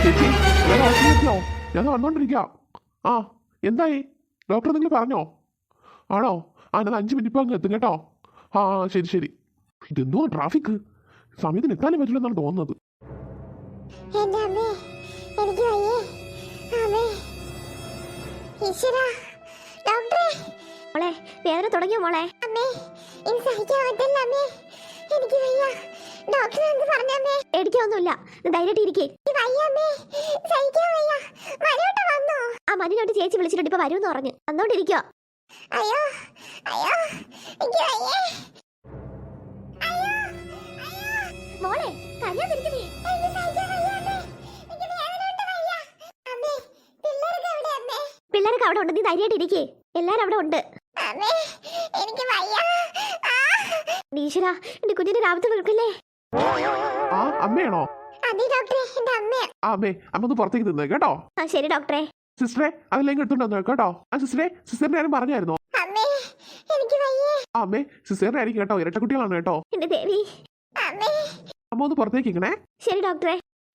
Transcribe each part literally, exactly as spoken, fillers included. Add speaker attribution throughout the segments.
Speaker 1: ചേച്ചി ഞാൻ ഹോസ്പിറ്റലിലെത്തിയോ? ഞാൻ വന്നോണ്ടിരിക്കാം. ആ എന്തായി? ഡോക്ടർ നിങ്ങൾ പറഞ്ഞോ? ആണോ? ആ എന്നാൽ അഞ്ച് മിനിറ്റ് അങ്ങ് എത്തും കേട്ടോ. ആ ശരി ശരി. ഇതെന്തോ ട്രാഫിക്, സമയത്തിന് എത്താനും പറ്റില്ലെന്നാണ് തോന്നുന്നത്.
Speaker 2: മോളെ വേദന തുടങ്ങിയോ മോളെ? പേടിക്കൊന്നുമില്ല, ധൈര്യമായിട്ട് ഇരിക്കേ. ആ മനുവിനോട്ട് ചേച്ചി വിളിച്ചിട്ടുണ്ട്, ഇപ്പൊ വരുമെന്ന് പറഞ്ഞു. വന്നോണ്ടിരിക്കോ? മോളെ കരയാതിരിക്കുന്നേ. പിള്ളേരൊക്കെ അവിടെ ഉണ്ട്, നീ ധൈര്യമായിട്ട് ഇരിക്കേ. എല്ലാരും അവിടെ ഉണ്ട്. ഈശ്വരാ, എന്റെ കുഞ്ഞിന്റെ രാവിലത്തെ വിളിക്കല്ലേ.
Speaker 1: ആ അമ്മയാണോ? ആ അമ്മേ, അമ്മ ഒന്ന് പുറത്തേക്ക് നിന്ന് കേട്ടോ.
Speaker 2: ആ ശരി ഡോക്ടറെ.
Speaker 1: സിസ്റ്ററെ അതിലേക്ക് എടുത്തോണ്ടോ കേട്ടോ. ആ സിസ്റ്ററെ, സിസ്റ്ററിന്റെ ആരും പറഞ്ഞായിരുന്നോ? ആ അമ്മേ, സിസ്റ്ററിന്റെ ആയിരിക്കും കേട്ടോ, ഇരട്ടക്കുട്ടികളാണ് കേട്ടോ.
Speaker 2: എന്റെ ദേവി,
Speaker 1: അമ്മ ഒന്ന് പുറത്തേക്ക് ഇങ്ങനെ.
Speaker 2: ശരി ഡോക്ടറെ.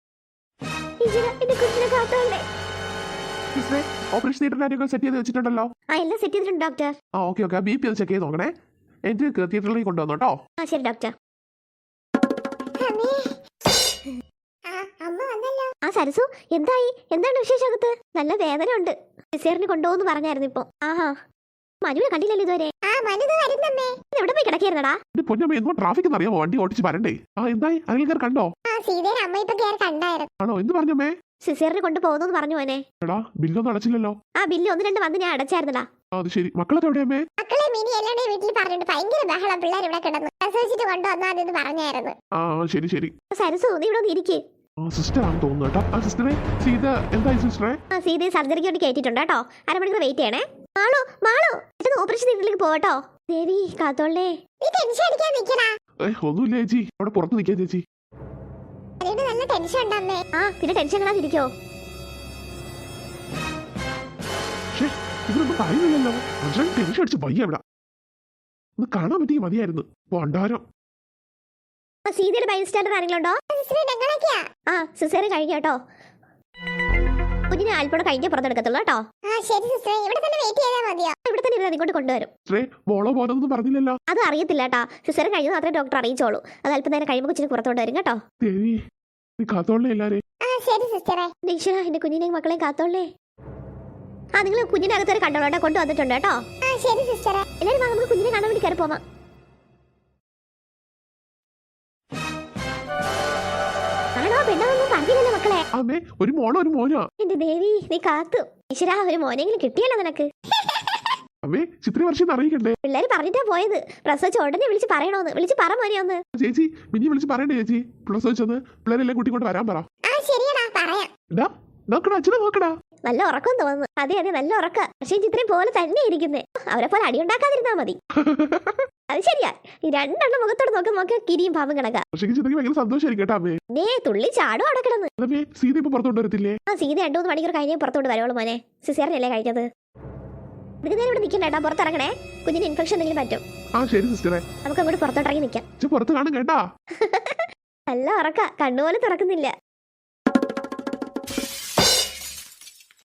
Speaker 1: സിസ്റ്ററെ, ഓപ്പറേഷൻ തിയേറ്ററിന്റെ കാര്യമൊക്കെ സെറ്റ് ചെയ്ത് വെച്ചിട്ടുണ്ടല്ലോ.
Speaker 2: ആ എല്ലാം സെറ്റ് ചെയ്തിട്ടുണ്ട് ഡോക്ടർ.
Speaker 1: ആ ഓക്കെ ഓക്കെ, ബി പി ഒന്ന് ചെക്ക് ചെയ്ത് നോക്കണേ. എനിക്ക് തിയേറ്ററിലേക്ക് കൊണ്ടുവന്നു കേട്ടോ.
Speaker 2: ആ ശരി ഡോക്ടർ. ആ സരസു, എന്തായി? എന്താണ് വിശേഷകത്ത്? നല്ല വേദന ഉണ്ട്. സിസേറിന് കൊണ്ടുപോകുന്നു പറഞ്ഞായിരുന്നു ഇപ്പൊ. ആഹാ, മനുവിനെ കണ്ടില്ലല്ലോ ഇതുവരെ. എവിടെ പോയി കിടക്കായിരുന്നടാ?
Speaker 1: പൊന്നമ്മ എന്തോ ട്രാഫിക് അറിയാമോ? വണ്ടി ഓടിച്ച് വരണ്ടേ. ആ എന്തായി? അനിൽക്കാർ കണ്ടോ? ആണോ? എന്ത് പറഞ്ഞമ്മേ?
Speaker 2: സിസേറിന് കൊണ്ടുപോകുന്നു പറഞ്ഞു മോനെ.
Speaker 1: എടാ ബില്ലൊന്നും അടച്ചില്ലല്ലോ.
Speaker 2: ആ ബില്ല് ഒന്ന് രണ്ട് വന്ന് ഞാൻ അടച്ചായിരുന്നടാ.
Speaker 1: അത് ശരി. മക്കളൊക്കെ എവിടെയമ്മേ? ആ ശരി ശരി.
Speaker 2: സരസു നീ ഇവിടെ ഇരിക്കേ.
Speaker 1: ആ സിസ്റ്റർ ആണെന്ന് തോന്നുന്നു കേട്ടോ. ആ സിസ്റ്ററെ, സീത എന്തായി സിസ്റ്ററെ?
Speaker 2: ആ സീതയെ സർജറിക്ക് വേണ്ടി കയറ്റിട്ടുണ്ട് കേട്ടോ. അരമണിക്കൂർ വെയിറ്റ് ചെയ്യണേ. മാളു മാളു ഓപ്പറേഷൻ തിയേറ്ററിലേക്ക് പോകട്ടോ. ദേവി കാത്തോളേ.
Speaker 1: ഒന്നുമില്ല ചേച്ചി, അവിടെ പുറത്ത് നിൽക്കാൻ ചേച്ചി.
Speaker 2: ആ പിന്നെ ടെൻഷൻ കാണാതിരിക്കോ.
Speaker 1: ഇവരൊന്നും പറയുന്നില്ലല്ലോ. ടെൻഷൻ അടിച്ച് വയ്യ. ഇവിടെ ഒന്ന് കാണാൻ പറ്റിയ മതിയായിരുന്നു. ഭണ്ഡാരം.
Speaker 2: സീതയുടെ ബൈസ്റ്റാൻഡർ ആരെങ്കിലും ഉണ്ടോ? ആ സിസേറിയൻ കഴിഞ്ഞു കേട്ടോ. കുഞ്ഞിനെ അല്പം കഴിഞ്ഞേ പുറത്തെടുക്കത്തുള്ളൂ കേട്ടോ. ഇവിടെ തന്നെ ഇരുന്ന് ഇങ്ങോട്ട് കൊണ്ടുവരും.
Speaker 1: പറഞ്ഞില്ലല്ലോ.
Speaker 2: അത് അറിയത്തില്ല കേട്ടാ. സിസേറിയൻ കഴിഞ്ഞു മാത്രമേ ഡോക്ടർ അറിയിച്ചോളൂ. അത് അല്പം നേരം കഴിയുമ്പോൾ കൊച്ചിന് പുറത്തോട്ട് വരും കേട്ടോ. ഈശ്വരാ, എന്റെ കുഞ്ഞിനെയും മക്കളെയും കാത്തോളേ. ആ നിങ്ങൾ കുഞ്ഞിനകത്ത് വരെ കണ്ടോളൂ, കൊണ്ടുവന്നിട്ടുണ്ട് കേട്ടോ. എല്ലാവരും നമുക്ക് കുഞ്ഞിനെ കാണാൻ വേണ്ടി കയറി പോവാം.
Speaker 1: ഒരു മോളോ ഒരു മോനോ?
Speaker 2: എന്റെ ദേവി നീ കാത്തു. ഈശ്വരാ, ഒരു മോനെങ്കിലും കിട്ടിയല്ലോ നിനക്ക്.
Speaker 1: അറിയിക്കണ്ടേ?
Speaker 2: പിള്ളേര് പറഞ്ഞിട്ടാ പോയത്. പ്രസവിച്ച ഉടനെ വിളിച്ച് പറയണോന്ന്. വിളിച്ച് പറ മോനെ ഒന്ന്.
Speaker 1: ചേച്ചി മിനി വിളിച്ച് പറയണ്ടേ ചേച്ചി? പ്രസവിച്ചത് പിള്ളേരെല്ലാം കൂട്ടിക്കൊണ്ട് വരാൻ പറ. അച്ഛനെ നോക്കടാ.
Speaker 2: നല്ല ഉറക്കം തോന്നുന്നു. അതെ അതെ നല്ല ഉറക്ക. പക്ഷേ ചിത്രയും പോലെ തന്നെ ഇരിക്കുന്നേ. അവരെ പോലെ അടിയുണ്ടാക്കാതിരുന്നാ മതി. അത് ശരിയാ. ഈ രണ്ടെണ്ണം മുഖത്തോട് നോക്കി നോക്കിയാൽ കിരിയും പാമ്പും കണക്കാ. ദേ തുള്ളി ചാടും അവിടെ കിടന്ന്. ആ സീത രണ്ടു മൂന്ന് മണിക്കൂർ കഴിഞ്ഞേ പുറത്തോട്ട് വരുവുള്ളൂ മോനെ. സിസേറിയനല്ലേ കഴിഞ്ഞത്. ഇതിന് നേരം ഇവിടെ നിൽക്കണ്ടേട്ടാ, പുറത്തിറങ്ങണേ. കുഞ്ഞിന് ഇൻഫെക്ഷൻ എന്തെങ്കിലും പറ്റും. നമുക്ക് അങ്ങോട്ട് പുറത്തോട്ടിറങ്ങി നിൽക്കാം. നല്ല ഉറക്ക, കണ്ണുപോലെ തുറക്കുന്നില്ല.